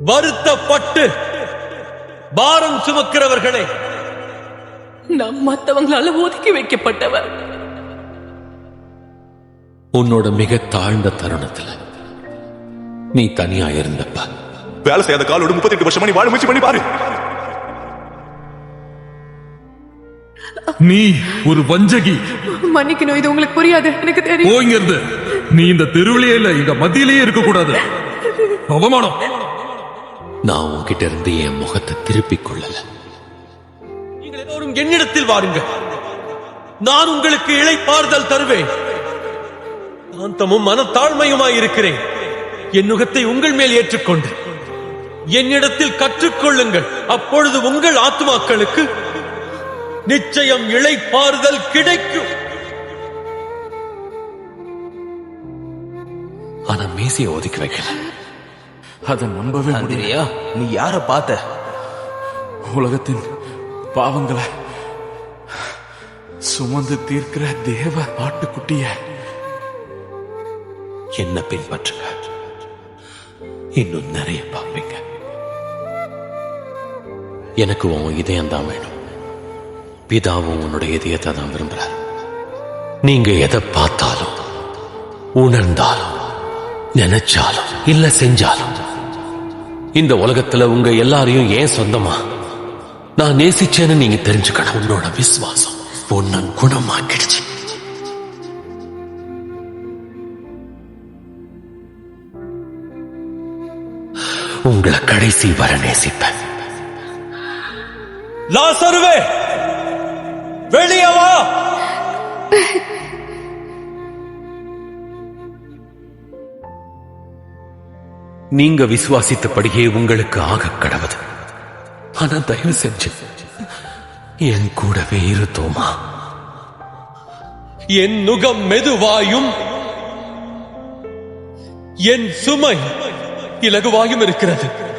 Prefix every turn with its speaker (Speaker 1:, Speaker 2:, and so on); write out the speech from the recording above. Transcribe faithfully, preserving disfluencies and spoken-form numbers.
Speaker 1: வருத்தப்பட்டு பாரம் சுமக்கிறவர்களே,
Speaker 2: நாம் மற்றவங்களால ஒதுக்கி வைக்கப்பட்டவர்.
Speaker 1: உன்னோட மிக தாழ்ந்த தருணத்துல நீ தனியா இருந்தப்ப
Speaker 3: வேலை செய்யாத காலோடு முப்பத்தி எட்டு வருஷமா நீ வாழ முயற்சி பண்ணி பாரு.
Speaker 4: நீ ஒரு வஞ்சகி.
Speaker 2: மன்னிக்கணும், இது உங்களுக்கு புரியாது, எனக்கு தெரியும்.
Speaker 4: போயிருந்து. நீ இந்த தெருவிலேயே இல்ல, இங்க மத்தியிலேயே இருக்க கூடாது. அவமானம்.
Speaker 1: நான் உன்கிட்ட இருந்து என் முகத்தை திருப்பிக் கொள்ளல. நீங்கள் எல்லோரும் என்னிடத்தில் வாருங்கள், நான் உங்களுக்கு இளைப்பாறுதல் தருவேன். சாந்தமும் மனத்தாழ்மையுமாய் இருக்கிறேன். என் நுகத்தை உங்கள் மேல் ஏற்றுக்கொண்டு என்னிடத்தில் கற்றுக்கொள்ளுங்கள். அப்பொழுது உங்கள் ஆத்துமாக்களுக்கு நிச்சயம் இளைப்பாறுதல் கிடைக்கும். ஆனா மேசியை ஒதுக்கி வைக்கல.
Speaker 5: அதை நம்பவே முடியலையா?
Speaker 6: நீ யார பார்த்த?
Speaker 5: உலகத்தின் பாவங்களை சுமந்து தீர்க்கிற தேவ ஆட்டுக்குட்டிய.
Speaker 1: என்ன பின்பற்றுங்க, இன்னும் நிறைய பார்ப்பீங்க. எனக்கு உன் இதயம் தான் வேணும். பிதாவும் உன்னுடைய இதயத்தை தான் விரும்புறார். நீங்க எதை பார்த்தாலும், உணர்ந்தாலும், நினைச்சாலும் இல்ல செஞ்சாலும், இந்த உலகத்துல உங்க எல்லாரையும் ஏன் சொந்தமா நான் நேசிச்சேன்னு நீங்க தெரிஞ்சுக்கணும். உன்னோட விசுவாசம் உன்னை குணமாக்கிடுச்சு. உங்களை கடைசி வர நேசிப்பேன். லாசருவே, வெளியே வா. நீங்க விசுவாசித்தபடியே உங்களுக்கு ஆக கடவுது. ஆனா தயவு செஞ்சு என் கூடவே இரு தோமா. என் நுகம் மெதுவாயும் என் சுமை இலகுவாயும் இருக்கிறது.